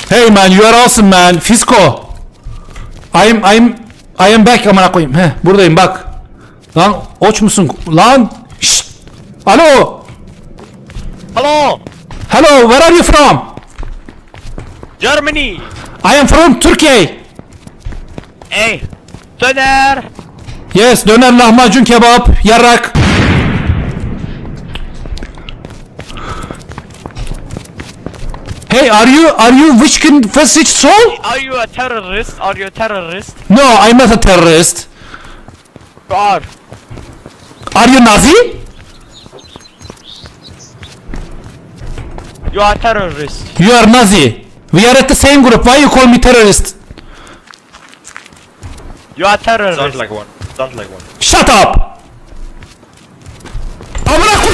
Hey man, you are awesome man. Fisko. I am back amına koyayım. Heh, buradayım bak. Lan oç musun? Lan. Şşt. Alo. Hello, Hello, where are you from? Germany. I am from Turkey. Hey, Söner. Yes, döner, lahmacun, kebap, yarrak. Hey, are you which can which soul? Are you a terrorist? Are you a terrorist? No, I'm not a terrorist. You are. Are you Nazi? You are a terrorist. You are Nazi. We are at the same group. Why you call me terrorist? You are a terrorist. Sounds like one. Sounds like one. Shut up. Amına